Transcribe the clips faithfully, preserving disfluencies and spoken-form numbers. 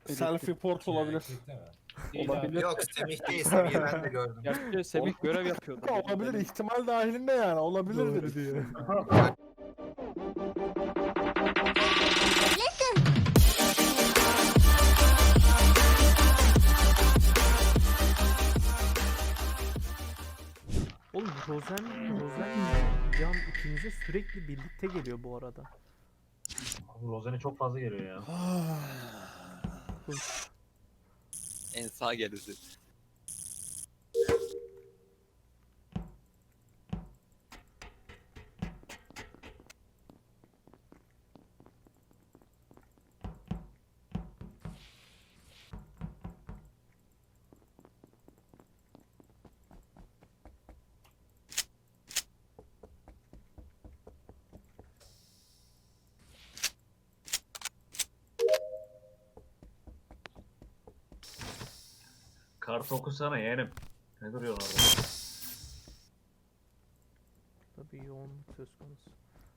Self report olabilir. Olabilir. Yok Semih değil, Semih'i ben de gördüm. Gerçi Semih görev yapıyordu. Olabilir, ihtimal dahilinde yani. Olabilir Doğru dedik. diyor. Oğlum Rozen, Rozen Can ikinize sürekli birlikte geliyor bu arada. Abi Rozen'e çok fazla geliyor ya. En sağ gerisi. Kartı okusana yeğenim. Ne duruyorsun orada? Tabii yoğunluk söz konusu.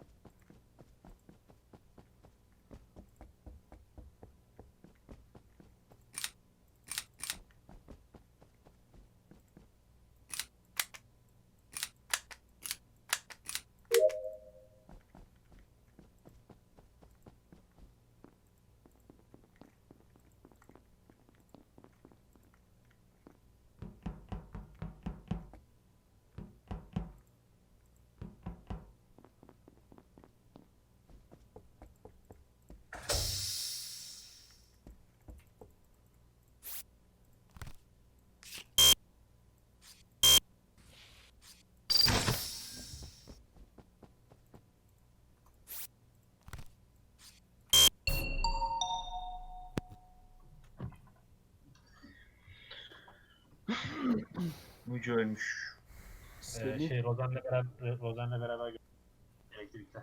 Mücü ölmüş. Ee, Semih şey Rozen'le beraber Rozen'le beraber gördüm. Elektrikte.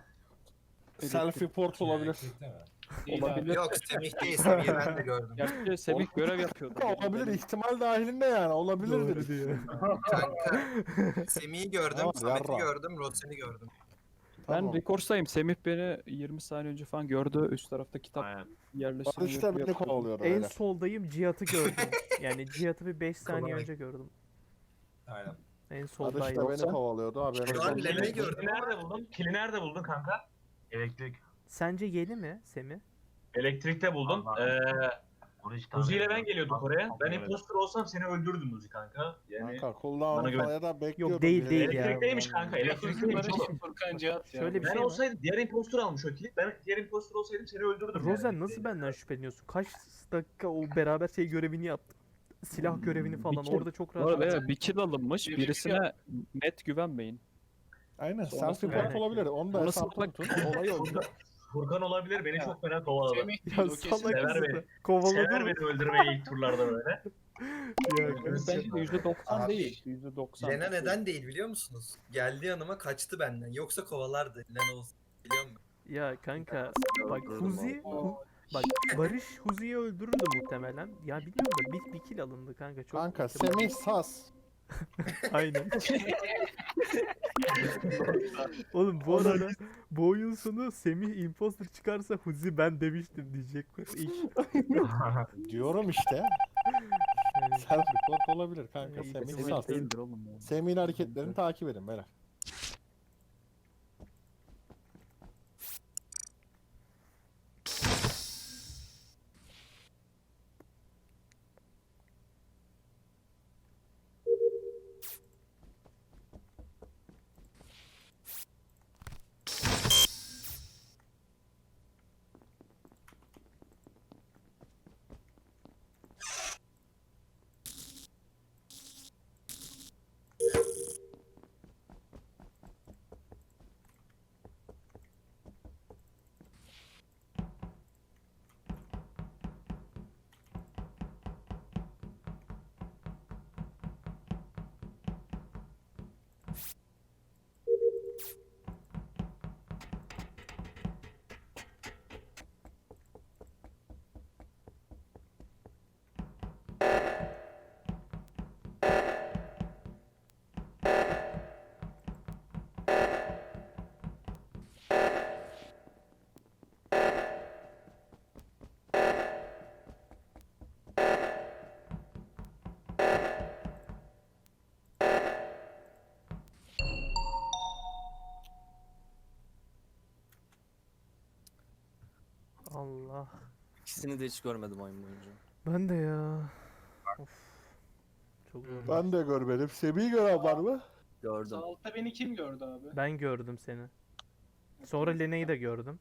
Self report olabilir. olabilir. Yok Semih değil, Semih'i ben de gördüm. Gerçi Semih görev yapıyordu. Olabilir, ihtimal dahilinde yani. Olabilir Doğru dedik. diyor. Kanka Semih'i gördüm, Tamam, Samet'i yarra. gördüm, Rozen'i gördüm. Ben Tamam. Rekors'tayım. Semih beni yirmi saniye önce falan gördü. Üst tarafta kitap Aynen. yerleştirme Barış da görevi beni yapıyordu. kovalıyordu En öyle. soldayım, Cihat'ı gördüm. Yani Cihat'ı bir beş saniye Kolay. önce gördüm. Aynen. En Barış soldaydı. da beni kovalıyordu haberiniz Şu an olsun. Len'i gördüm Kili ama nerede buldun? Kili nerede buldun kanka? Elektrik. Sence yeni mi Semi? Elektrikte buldum. Ee, Uzi ile ben geliyorduk oraya. Ben imposter olsam seni öldürdüm Uzi kanka. Yani Kanka Bana cooldown'u güven. falan ya da bekliyordum. Yok, değil, biri- değil ya. elektrikteymiş kanka. Elektrikteymiş oğlum. Furkan Cihat ya. Şöyle bir Ben şey var. olsaydım diğer imposter almış o kilit. Ben diğer imposter olsaydım seni öldürürdüm. Rozen yani. nasıl benden şüpheleniyorsun? Kaç dakika o beraber şey görevini yaptık. Silah görevini falan Bir kill- orada çok Bu rahat. arada evet, bir kill alınmış. Birisine net güvenmeyin. Aynen Sonrası self report yani. olabilir. Onu da Sonrası hesapta bak- tutun. Olay o. Furkan, Furkan olabilir. Beni çok fena kovaladı. Semih Ya değil o kesin. salak Sever mısın? beni. Kovaladı Sever mı? beni öldürmeyi ilk turlarda böyle. Ya Bu kanka. bence yüzde doksan Abi, değil. yüzde doksan. Lena neden değil biliyor musunuz? Geldi yanıma kaçtı benden. Yoksa kovalardı Lena olsun. Biliyor musun? Ya kanka bak Huzi Hu- bak Barış Huzi'yi öldürürdü muhtemelen. Ya bilmiyorum da bir, bir kill alındı kanka çok. Kanka Semih Sas. Aynen. Oğlum bu arada bu oyun sonu Semih imposter çıkarsa Huzi ben demiştim diyecek ilk. Diyorum işte. Yani, Self report olabilir kanka. İyi, Semih Semih Sas. değildir oğlum ya. Semih'in hareketlerini takip edin beyler. İkisini de hiç görmedim oyun boyunca. Ben de ya. Of. Çok zor. Ben de görmedim. Semih'i gören var mı? Gördüm. Sağ altta beni kim gördü abi? Ben gördüm seni. Sonra Lena'yı da gördüm.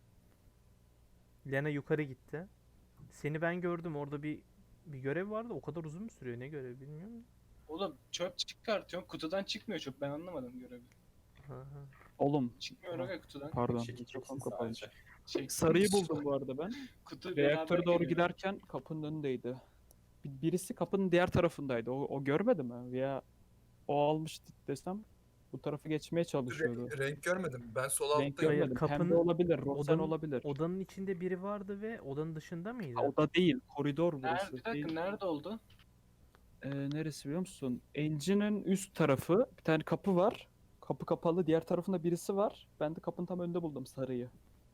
Lena yukarı gitti. Seni ben gördüm. Orada bir bir görev vardı. O kadar uzun mu sürüyor? Ne görev bilmiyorum. Oğlum çöp çıkartıyorum. Kutudan çıkmıyor çöp. Ben anlamadım görevi. Aha. Oğlum Çıkmıyor aga kutudan. pardon. Çekeceksin Mikrofon kapalıymış. sadece. Şey, Sarıyı buldum bu arada ben. Kutu Reaktöre beraber doğru geliyor. giderken kapının önündeydi. Bir- Birisi kapının diğer tarafındaydı. O, o görmedi mi? Veya o almıştı desem bu tarafı geçmeye çalışıyordu. Renk, renk görmedim. Ben sol Renk alttayım. Hayır, görmedim. kapının- Pembe olabilir, rosen odanın- olabilir. Odanın içinde biri vardı ve odanın dışında mıydı? Ha, oda değil, koridor Nerede, burası. bir dakika Değil. nerede oldu? Ee, neresi biliyor musun? Engine'in üst tarafı, bir tane kapı var. Kapı kapalı, diğer tarafında birisi var. Ben de kapının tam önünde buldum sarıyı.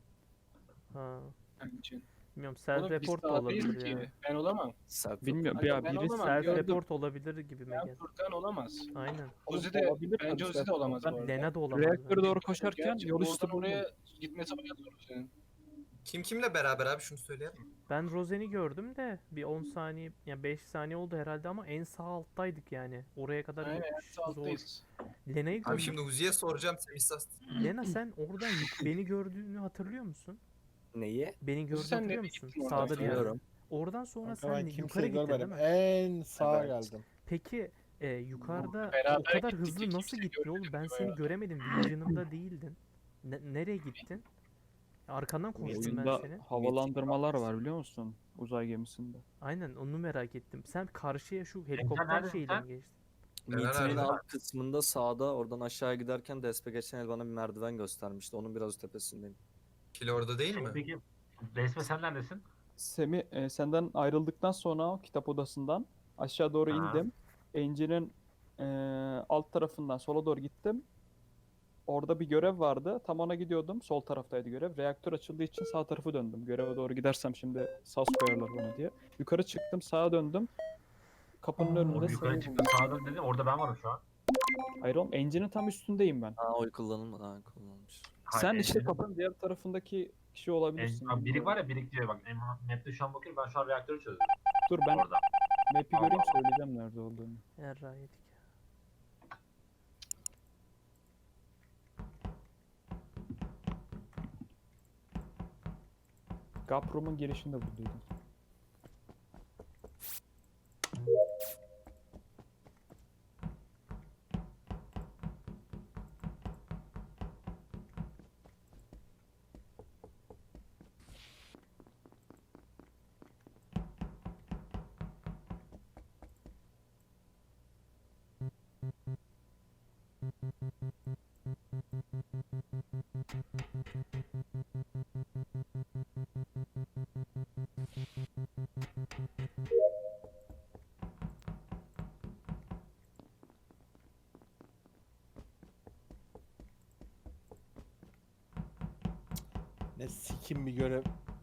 Ha. Benim için. Bilmiyorum. Self Oğlum biz report da sağdayız olabilir ki. ya. Ben olamam. Self Bilmiyorum. Aga, Ya ben birisi olamam. Self gördüm. report olabilir gibi Ben geldi. Furkan olamaz. Aynen. Ozi de, olabilir bence tabii Ozi de zaten. olamaz bu Ben arada. Lena da olamaz. reaktöre bence. doğru koşarken Gerçi yol üstü oradan buldum. oraya gitmesi bayağı zor senin. Kim kimle beraber abi şunu söyleyelim mi? Ben Rosen'i gördüm de bir on saniye yani beş saniye oldu herhalde ama en sağ alttaydık yani. Oraya kadar Aynen gitmiş, sağ alttayız. Lena'yı Abi gördüm. şimdi Uzi'ye soracağım. Semih Sas. Lena sen oradan yuk- beni gördüğünü hatırlıyor musun? Neyi? Beni gördüğünü sen hatırlıyor nereye musun? gittin oradan Sağda bir sonra? yerde. Biliyorum. Oradan sonra Kanka sen ben yukarı kimseyi gittin değil görmedim. mi? En sağa Evet. geldim. Peki e, yukarıda Beraber o kadar gittik, hızlı kimse nasıl gittin oğlum? görmedik Ben bu seni arada. göremedim. Vision'ımda değildin. Ne- nereye gittin? Arkandan koştum ben Oyunda seni. havalandırmalar var biliyor musun? Uzay gemisinde. Aynen onu merak ettim. Sen karşıya şu helikopter neredesin şeyle sen? mi geçtin? Neler Meeting'in nerede? alt kısmında sağda oradan aşağı giderken Despe geçen el bana bir merdiven göstermişti. Onun biraz tepesindeyim. Kili orada değil mi? Peki Resme sen neredesin? Semi e, senden ayrıldıktan sonra o kitap odasından aşağı doğru Ha. indim. Engine'in e, alt tarafından sola doğru gittim. Orada bir görev vardı. Tam ona gidiyordum. Sol taraftaydı görev. Reaktör açıldığı için sağ tarafı döndüm. Göreve doğru gidersem şimdi sas koyarlar bana diye. Yukarı çıktım, sağa döndüm. Kapının önünde Yukarı seni çıktın buldum. sağdan dedin orada ben varım şu an. Hayır oğlum, engine'in tam üstündeyim ben. Ha oy kullanılmadı. Ha kullanılmış. Hayır, Sen işte engine'in- kapının diğer tarafındaki kişi olabilirsin. En, abi birik bilmiyorum. var ya birik diyor bak. em- Map'te şu an bakıyorum ben şu an reaktörü çözüyorum. Dur ben Orada. map'i Allah göreyim Allah. söyleyeceğim nerede olduğunu. Erra yedik. Gaprom'un girişinde buradaydım. Ne sikim bir görev.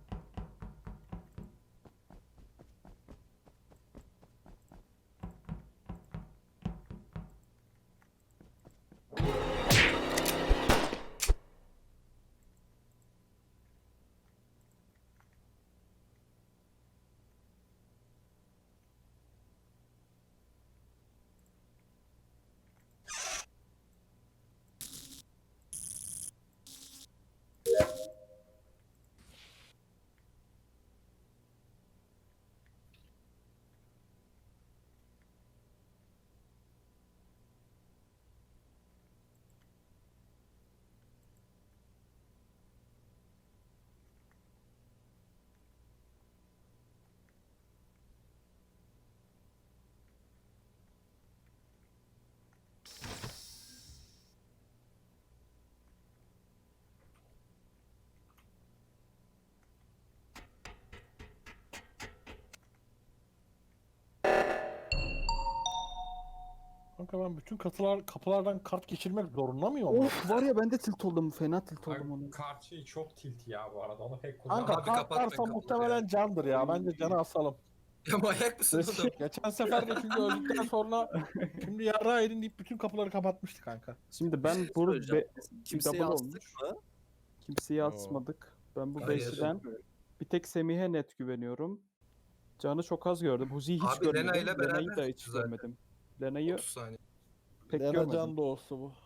Kanka ben bütün katılar, kapılardan kart geçirmek zorunda mıyım? ama? Of var ya ben de tilt oldum. Fena tilt oldum onu. Kartçı çok tilt ya bu arada onu pek Kanka Abi kart kapatmayın varsa kapıları muhtemelen ya. candır ya. Bence canı asalım. Ya manyak mısın oğlum? Geçen sefer de çünkü öldükten sonra şimdi yarrağı edin deyip bütün kapıları kapatmıştı kanka. Şimdi ben bu söyleyeceğim. be- Kimseye double astık olmuş. mı? Kimseyi Oo. asmadık. Ben bu Hayır. beşiden Bir tek Semih'e net güveniyorum. Can'ı çok az gördüm. Huzi'yi hiç Abi, görmedim. Lena ile Lena'yı da beraber hiç zaten. görmedim. Lena'yı otuz saniye. pek Lena görmedim. can doğusu bu.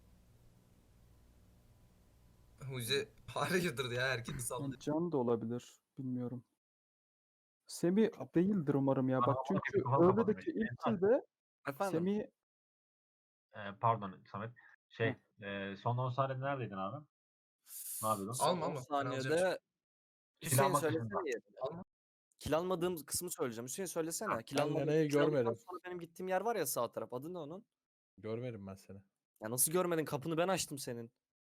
Huzi hayırdır ya herkesi Yani sallıyor. Can da olabilir. Bilmiyorum. Semih değildir umarım ya. Bak Ama çünkü bir kafa kapadım öğledeki benim. ilk kilde Efendim? Semih Ee, pardon Samet. Şey, e, son on saniyede neredeydin abi? Ne yapıyordun? Son Alma, on alma. Ben alacağım saniyede Kill Hüseyin almak söylesene dışında. yerini. Alma. Kill almadığım kısmı söyleyeceğim. Hüseyin söylesene. Kill Ben almadığım, Lena'yı kill aldıktan görmedim. sonra benim gittiğim yer var ya sağ taraf. Adı ne onun? Görmedim ben seni. Ya nasıl görmedin? Kapını ben açtım senin.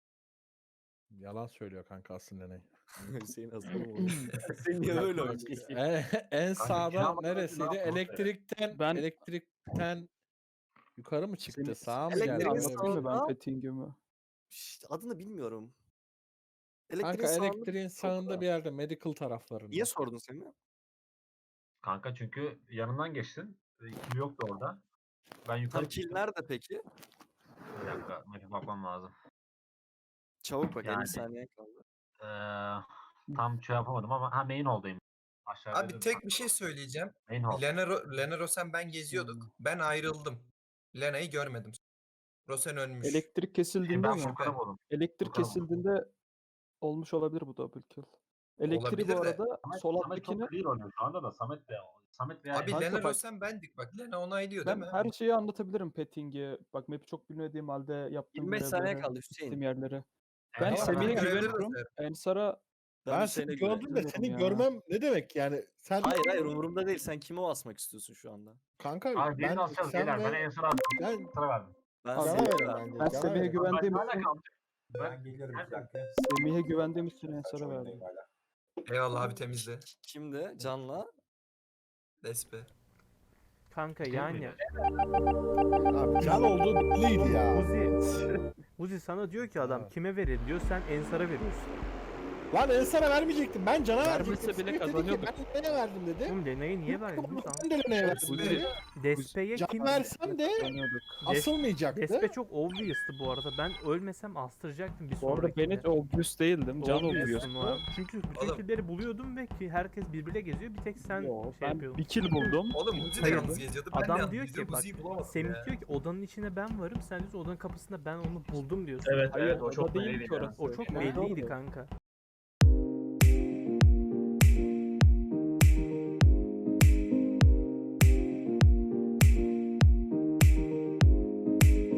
Yalan söylüyor kanka aslında Lena'yı. Hüseyin aslanım oldu. Hüseyin niye öyle oynuyor? en, en sağda kiralamadan önce ne neresiydi? yaptın orada? Elektrikten Ben- elektrikten yukarı mı çıktı? Seni- Sağa mı Elektrik geldi? sağ- Öyle bir şey. anlatayım mı ben sağda- Petting'imi? Şşt, adını bilmiyorum. Kanka Elektriğin sağında- elektriğin sağında bir yerde medical taraflarında. Niye sordun Semih? Kanka çünkü yanından geçtin. E, Kill yoktu orada. Ben yukarı Tam kill çıktım. nerede peki? Bir dakika. Map'e bakmam lazım. Çabuk bak Yani- elli saniye kaldı. Ee, tam şey yapamadım ama ha main hall'dayım. Aşağıda Abi tek bir şey söyleyeceğim. Main hall. Lena, Ro- Lena Rosen ben geziyorduk. Hmm. Ben ayrıldım. Lena'yı görmedim. Rosen ölmüş. Elektrik kesildiğinde Ben mi? Furkan'ı buldum. Elektrik Furkan'ı buldum. kesildiğinde olmuş olabilir bu double kill. Elektriği Olabilir bu de. arada Samet, sol Samet alttakini çok clear oynuyor şu anda da Samet de Samet veya Abi Kanka Lena bak- Rosen bendik bak. Lena onaylıyor ben değil mi? her şeyi anlatabilirim Petting'i. Bak map'i çok bilmediğim halde yaptığım yirmi beş saniye görevleri, kaldı gittiğim Hüseyin. yerleri. Ben Evet, Semih'e ben görevleri de güveniyorum. sayarım. Ensar'a Ben Hüseyin'e seni gördüm de güveniyorum seni ya. görmem ne demek yani? Sen Hayır hayır umurumda değil. Sen kime asmak istiyorsun şu anda? kanka Abi birini ben asacağız sen beyler. Ben ve en son attım. ben Sıra verdim. Ben Abi, Cana Semih'e verin verdim. bence. ben Cana Semih'e verin. güvendiğim Ben hala için kaldım. Ben geliyorum Ben- bir dakika. Semih'e güvendiğim için Ensar'a verdim. Eyvallah abi temizle. Kimde? Can'la. Despe. Kanka Kim yani miydi? Abi can olduğu belliydi ya. Uzi Uzi sana diyor ki adam Ha. kime verin diyor, sen Ensar'a veriyorsun. Lan Ensar'a vermeyecektim. Ben cana Vermese verecektim. bile Semih dedi ki, kazanıyorduk. Ben Lena'ya verdim dedi. Oğlum Lena'yı niye verdin? Tamam. Ben de Lena'ya verdim Uzi- dedi. Despe'ye Can kim? versem de Kazanıyorduk. Des- asılmayacaktı. Despe çok obvious'tı bu arada. Ben ölmesem astıracaktım bir Bu arada ben hiç sonrakinde. obvious değildim. Can Obvious'sun obvious. lan. Çünkü bütün Oğlum. killleri buluyordum ve ki herkes birbiriyle geziyor. Bir tek sen Yo, şey ben yapıyordun. bir kill buldum. Oğlum Uzi de Hayır. yalnız geziyordu. Ben de Adam yalnız diyor geziyorum. ki bak Uzi'yi bulamadım Semih ya. diyor ki odanın içine ben varım. Sen diyorsun odanın kapısında ben onu buldum diyorsun. Evet Hayır, evet o orada çok değil belliydi ki ya. orası. O çok Ben belliydi gördüm. kanka.